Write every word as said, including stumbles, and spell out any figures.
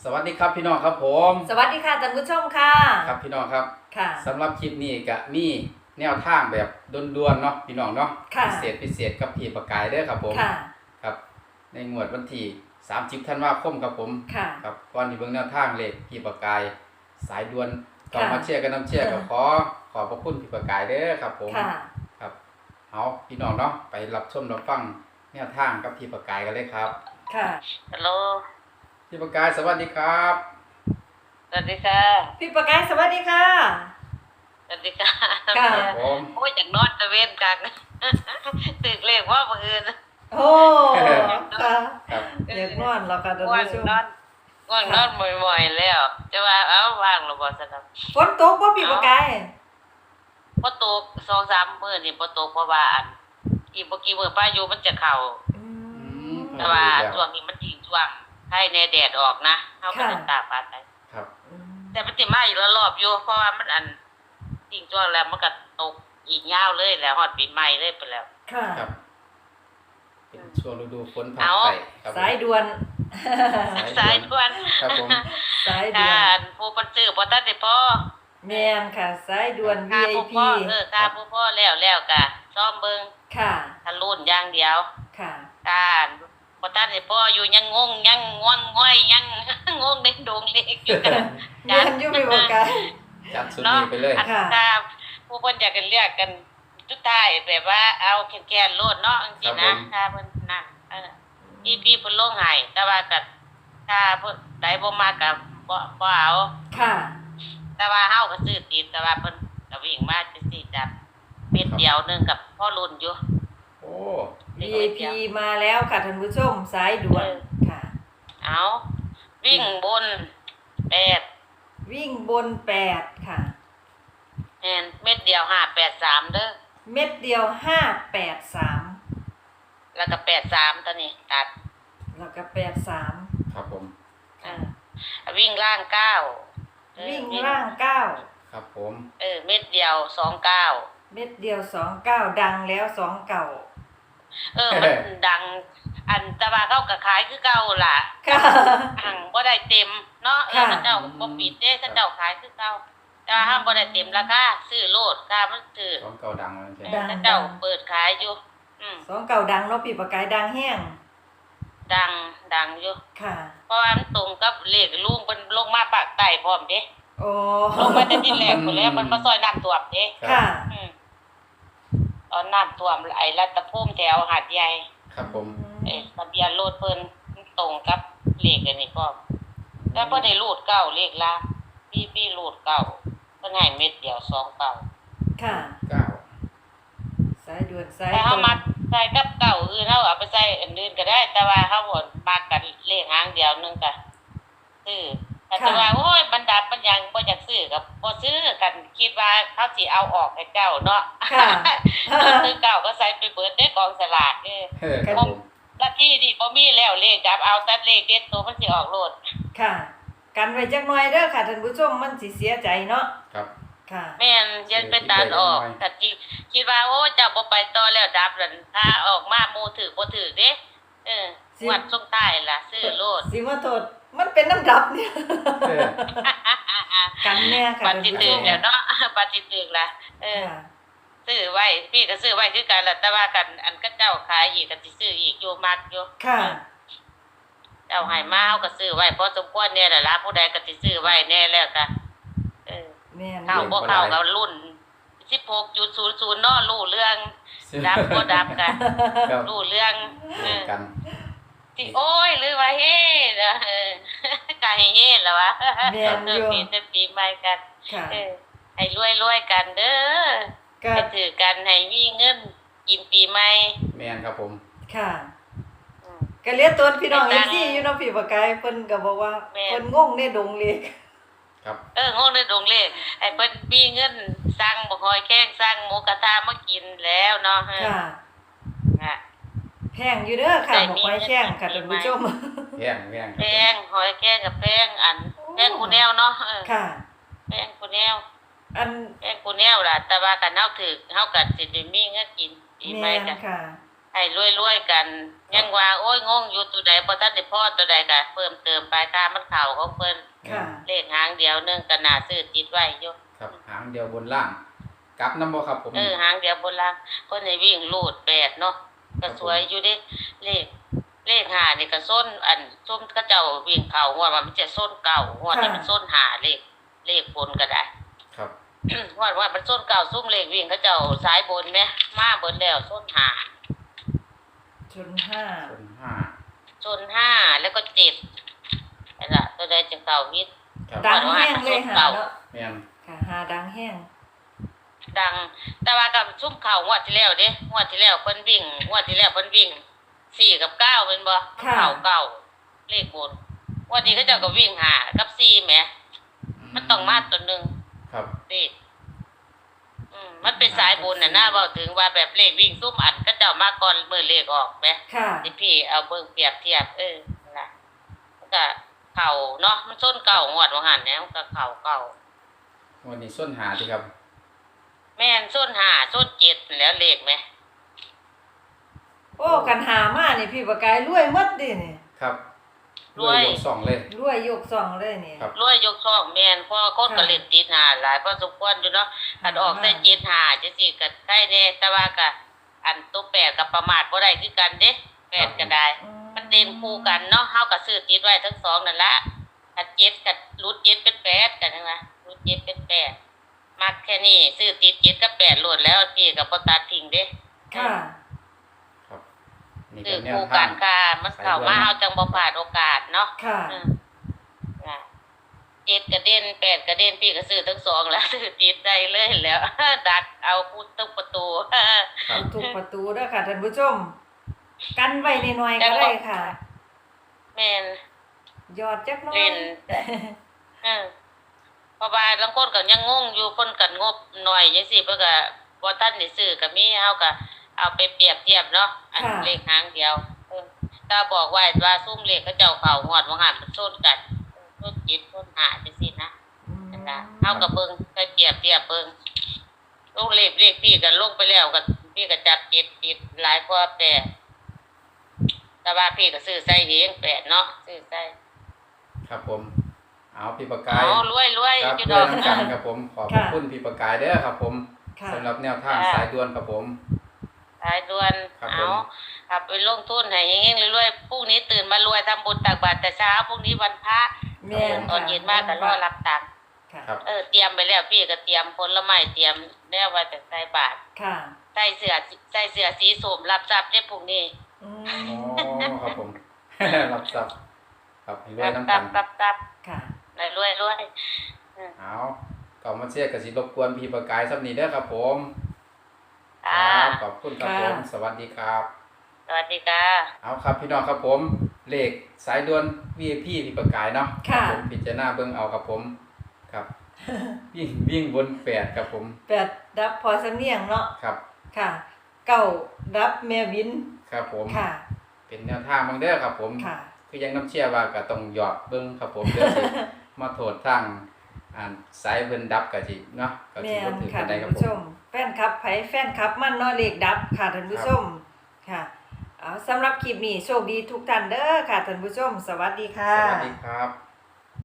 สวัสดีครับพี่น้องครับผมสวัสดีค่ะท่านผู้ชมค่ะครับพี่น้องครับค่ะสำหรับคลิปนี้ก็มีแนวทางแบบด่วนๆเนาะพี่น้องเนาะค่ะพิเศษพิเศษกับพี่ประกายเด้อครับผมค่ะครับในงวดวันที่สามสิบธันวาคมครับผมค่ะครับก่อนที่เบิ่งแนวทางเลขพี่ประกายสายด่วนก็ค่ะมาเชียร์กันน้ำเชียร์ก็ขอขอบพระคุณพี่ประกายเด้อครับผมค่ะครับเอาพี่น้องเนาะไปรับชมรับฟังแนวทางกับพี่ประกายกันเลยครับค่ะฮัลโหลพี่ประกายสวัสดีครับสวัสดีค่ะพี่ประกายสวัสดีค่ะสวัสดีค่ะค่ะครับผมโอ้ยจากนอนตะเวนกลาง ตึกเลขว่าบังเอิญโอ้ค่ะครับอยากนอนแล้วค่ะท่านง่วงผู้ชมนอนง่วงนอนบ่อยๆแล้วจะว่าเอ้าว่างหรือบ่สนับฝนตกบ่พี่ประกายพอตกสองสามมื้อนี่พอตกเพราะว่าอันอีกบ่กี่มื้อพายุมันจะเข้าอืมแต่ว่าช่วงนี้มันยิงช่วงให้แน่แดดออกนะเฮาก็ต้องตากฟ้าไปครับแต่มันสิมาอีกละรอบอยู่เพราะว่ามันอันยิงช่วงแล้วมันก็ตกอีกยาวเลยแล้วฮอดปีใหม่เลยไปแล้วค่ะครับเป็นช่วงฤดูฝนผ่านเอาไปครับผมสายด่วนสายด่วนครับผมสายด่วกาน รผู้ปันซื้อบ่ทันได้พอแม่นค่ะ สายด่วนค่าผู้วี ไอ พีพ่อเออค่าผู้พ่อแล้วแล้วกะซ่อมเบิ่งค่ะทะลุนอย่างเดียวค่ะการบ่ทันได้พออยู่ยังงงยังง่วงง่อยยัง งงในดงเล็กอยู่กันเรียนอยู่พี่ประกายจัดสุดเนาะนี้ไปเลยอันค่ะถ้าผู้เพิ่นอยากกันเรียกกันสุดท้ายแบบว่าเอาแค่ๆโลดเนาะจังซี่นะถ้าเพิ่นนั่นเออพี่พี่เพิ่นลงให้แต่ว่าก็ถ้าเพิ่นใดบ่มาก็บ่บ่เอาค่ะแต่ว่าเฮาก็ซื้อติดแต่ว่าเพิ่นก็วิ่งมาจังซี่จับเม็ดเดียวหนึงกับพ่อรุ่นอยู่โอ้วี ไอ พี มาแล้วค่ะท่านผู้ชมสายด่วนค่ะเอาวิ่งบนแปดวิ่งบนแปดค่ะแม่นเม็ดเดียวห้าแปดสามเด้อเม็ดเดียวห้าแปดสามแล้วก็แปดสามตัวนี้ตัดแล้วก็แปดสามครับผมอ่าวิ่งล่างเก้าเออวิ่งล่างเก้าครับผมเออเม็ดเดียวสองเก้าเม็ดเดียวสองเก้าดังแล้วสองเก่าเออมันดัง อันแตะว่าเขาก็ขายคือเก่าล่ะค่ะหังบ่ได้เต็มเนาะเออค่ะเขาเจ้าบ่ปิดเด้เขาเจ้าขายคือเก่าแต่ว่าห้ามบ่ได้เต็มราคาซื้อโลดค่ามันถือของเก่าดังแล้วใช่เออเขาเจ้าเปิดขายอยู่ อืมสองเก่าดังเนาะพี่ประกายดังแห้งดังดังอยู่ค่ะเพราะว่ามันตรงกับเลขลุงเพิ่นลงมาปากใต้พร้อมเด้โอ้ลงมาแต่ที่แรกพุ่นแล้วมันมาซอยน้ำท่วมเด้ค่ะอืมตอนน้ำท่วมไอ้รัตภูมิแถวหาดใหญ่ครับผมเอ้ทะเบียนรถเพิ่นมันตรงกับเลขอันนี้พร้อมแล้วเพิ่นได้รูดเก้าเลขละพี่พี่รูดเก้าเพิ่นให้เม็ดเดียวสองเก้าค่ะเก้าสายด่วนสายแต่ตรเฮาง มักใส่กับเก้าอื่นเฮาเอาไปใส่อันอื่นก็ได้ แต่ว่าเฮาบ่มักกันเลขหางเดียวนึงก็ซื้อแต่ว่าโอ้ยบรรดาปัญญังบ่อยากซื้อก็บ่ซื้อกันคิดว่าเขาสิเอาออกให้เจ้าเนาะค่ะซื้อเก่าก็ใส่ไปเบิดได้กองสลากเออเฮ้ครับผมละที่นี่บ่มีแล้วเลขจับเอาแต่เลขเด็ดตัวมันสิออกโลดค่ะ กันไว้จักหน่อยเด้อค่ะท่านผู้ชมมันสิเสียใจเนาะครับค่ะแม่นยันไปตัดออกถ้าจิคิดว่าโอ้เจ้าบ่ไปต่อแล้วดับนั่นถ้าออกมาหมู่ถือบ่ถือเด้เออสิงวัดส่งท้ายล่ะซื้อโลดสิมาโทษมันเป็นน้ำดับเนี่ยเออกันแน่ค่ะปท่านฏิผู้ชตึกมแล้วเนาะ ปฏิตึกล่ะเออค่ะซื้อไว้พี่ก็ซื้อไว้คือกันล่ะแต่ว่ากันอันก็เจ้าขายอีกก็สิซื้ออีกอยู่มักอยู่ค่ะเจ้าให้มาเฮาก็ซื้อไว้พอสมควรแน่ล่ะล่ะผู้ใดก็สิซื้อไว้แน่แล้วก็เออแม่นเข้าบ่เข้าก็รุ่น สิบหกจุดศูนย์ศูนย์ เนาะรู้เรื่อง ดับบ่ดับกันครับรู้เรื่องเออกันสิโอ้ยหรือว่าเฮ้เด้อเออก็ให้เฮ้แล้ววะแม่นเอออยู่ ปีแต่ปีใหม่กันค่ะเออให้รวยๆกันเด้อก็ให้ถือกันให้มีเงินกินปีใหม่แมนครับผมค่ะอืมก็เรียกตัวพี่น้องไม่เอต่างฟซีอยู่เนาะพี่ประกายเพิ่นก็บอกว่าแม่นเพิ่นงงในดงเล็กครับเอองงในดงเลขให้เพิ่นมีเงินสั่งบ่คอยแข้งสั่งหมูกระทะมากินแล้วเนาะเออค่ะค่ะแพงอยู่เด้อค่ะได้หมกมีไว้แข้งค่ะเงิท่าน นผู้ชมแพงแพงคแพรับผมงหอยแข้งกับแพงอันแพงกูแนวเนาะเออค่ะแพงกูแนวอันแพงกูแนวล่ะแต่ว่ากันเฮาถือเฮาก็สิได้มีเงินกินปีใหม่แม่นกันค่ะให้รวยๆกัน ยังว่าโอ้ยงงอยู่ตัวใดบ่ทันได้พอตัวใดก็เพิ่มเติมไปค่ามันเข้าของเพิ่นค่ะเลขหางเดียวหนึงก็น่าซื้อติดไว้อยู่ครับหางเดียวบนล่างกลับนำบ่ครับผมเออหางเดียวบนล่างคนให้วิ่งลูดแปดเนาะก็สวยอยู่เด้เลขเลขห้านี่ก็ส้นอันส้มเขาเจ้าวิ่งเข้างวดว่ามันจะส้นเก่างวดนี้มันส้นห้าเลขเลขบนก็ได้ครับว่าว่ามันส้นเก่าซุ่มเลขวิ่งเขาเจ้าสายบนไหมมาเบิดแล้วส้นหาชนห้าส่วนห้าส้นห้าแล้วก็เจ็ดนั่นล่ะตัวใดจะเก่าวิทย์ครับดังแห้งเลยหาเนาะแม่นค่ะหาดังแห้งดัง แต่ว่ากับซุ่มเข่างวดที่แล้วเด้งวดที่แล้วเพิ่นวิ่งงวดที่แล้วเพิ่นวิ่งสี่กับเก้าเป็นบ่เข่าเก่าเลขบนงวดนี้เขาเจ้าก็วิ่งหากับสี่แหมมันต้องมาตัวหนึงครับเลขอืมมันเป็นสายบนน่ะนะเว้าถึงว่าแบบเลขวิ่งซุ่มอันเขาเจ้ามาก่อนมื้อเลขออกแหมค่ะที่พี่เอาเบิ่งเปรียบเทียบเออนั่นล่ะมันก็เข่าเนาะมันส้นเก่างวดว่าหั่นแหน่มันก็เข่าเก่าวันนี้ส้นหาที่ครับแม่นส้นห้าส้นเจ็ดนั่นแหล้วเลขแหมโอ้กันหามานี่พี่ประกายรวยหมดดินี่ครับด้วยยกสองเลยรวยยกซองเลยนี่ครับรวยยกช่องแม่นเพราะว่าคนก็เล่นติดหาหลายพอสมควรอยู่เนาะอันออกใส่เจ็ดหาจังซี่ก็ใช่แน่แต่ว่าก็อันตัวแปดก็ประมาทบ่ได้คือกันเด้แปดก็ได้อืมันเด่นคู่กันเนาะเฮาก็ซื้อติดไว้ทั้งสองนั่นละอันเจ็ดกับรูดเจ็ดเป็นแปดกันใช่มั้ยรูดเจ็ดเป็นแปดมักแค่นี้ซื้อติดเจ็ดกับแปดโลดแล้วพี่ก็บ่ตัดทิ้งเด้ค่ะครับนี่ซื้เป็อนแนวคู่ทากังนค่ะมันเข้ามาเฮาจังบ่พลาดโอกาสเนาะค่ะอืมน่ะเจ็ดกระเด็นแปดกระเด็นพี่ก็ซื้อทั้งสองแล้ว ซื้อติดได้เลยแล้ว ดักเอาพูดทุกประตูครับทุกประตูเด้อค่ะท่านผู้ชม กันไว้หน่อยๆก็ได้ค่ะแม่นยอดจักหน้อยเล่น เออเพราะว่าบางคนก็ยังงงอยู่เพิ่นก็งบหน่อยจังซี่เพิ่นก็บ่ทันได้ซื้อก็มีเฮาก็เอาไปเปรียบเทียบเนาะอันเลขหางเดียวเออถ้าบอกไว้ว่าซุ่มเลขเขาเจ้าเข้างวดว่าหันมันชนกันชนจิตชนหาจังซี่นะอืมนั่นล่ะเฮาก็เบิ่งไปเปรียบเทียบเบิ่งลงเลขเลขพี่ก็ลงไปแล้วก็พี่ก็จับจิตจิตหลายกว่าแปดแต่ว่าพี่ก็ซื้อใส่เองแปดเนาะซื้อใส่ครับผม เอาพี่ประกายเอารวยรวยครับอยู่ด้ดวอย กน้ำกันครับผม ขอบพระคุณพี่ประกายเด้อครับผมค่ะสำหรับแนวทางค่ะสายด่วนครับผมสายด่วนครับเอาผมขับไปลงทุนให้เฮงๆรวยๆพรุ่งนี้ตื่นมารวยทำบุญตักบาตรแต่เช้าพรุ่งนี้วันพระแม่นตอนเย็นมาก็รอรับตังค์ค่ะครับเออเตรียมไปแล้วพี่ก็เตรียมผลไม้เตรียมแล้วไว้แต่ใส่บาตรค่ะใส่เสื้อใส่เสื้อสีส้มรับทรัพย์ได้พรุ่งนี้อือ๋อมครับผม รับทรัพย์ครับให้รวยรับน้ำทรักัพนย์รับทรัพย์ค่ะรวยรวยเอาก่อนมาเชียร์กับสิรบกวนพี่ประกายสักนิดเด้อครับผมๆอ่าครับขอบคุณครับผมค่ะสวัสดีครับสวัสดีค่ะเอาครับพี่น้องครับผม เลขสายด่วน วี ไอ พี พี่ประกายเนาะค่ะรับผมพิจารณาเบิ่งเอาครับผม ครับ วิ่งวิ่งบนแปดครับผมแปดดับพอสำเนียงเนาะครับค่ะ เก้าดับแม่วินครับผมค่ะเป็นแนวทางบางเด้อครับผมค่ะคือยังน้ำเชื่อว่าก็ต้องหยอดเบิ่งครับผมเดี๋ยวสิ มาโทษทางอ่านสายเพิ่นดับก็สิเนาะก็สิแม่บ่นถือค่ะกันได้ท่านครับผู้ผชมม แฟนคลับไผแฟนคลับมันเนาะเลขดับค่ะท่านผู้ชม ค่ะเอาสำหรับคลิปนี้โชคดีทุกท่านเด้อค่ะท่านผู้ชม สวัสดีค่ะสวัสดีครับ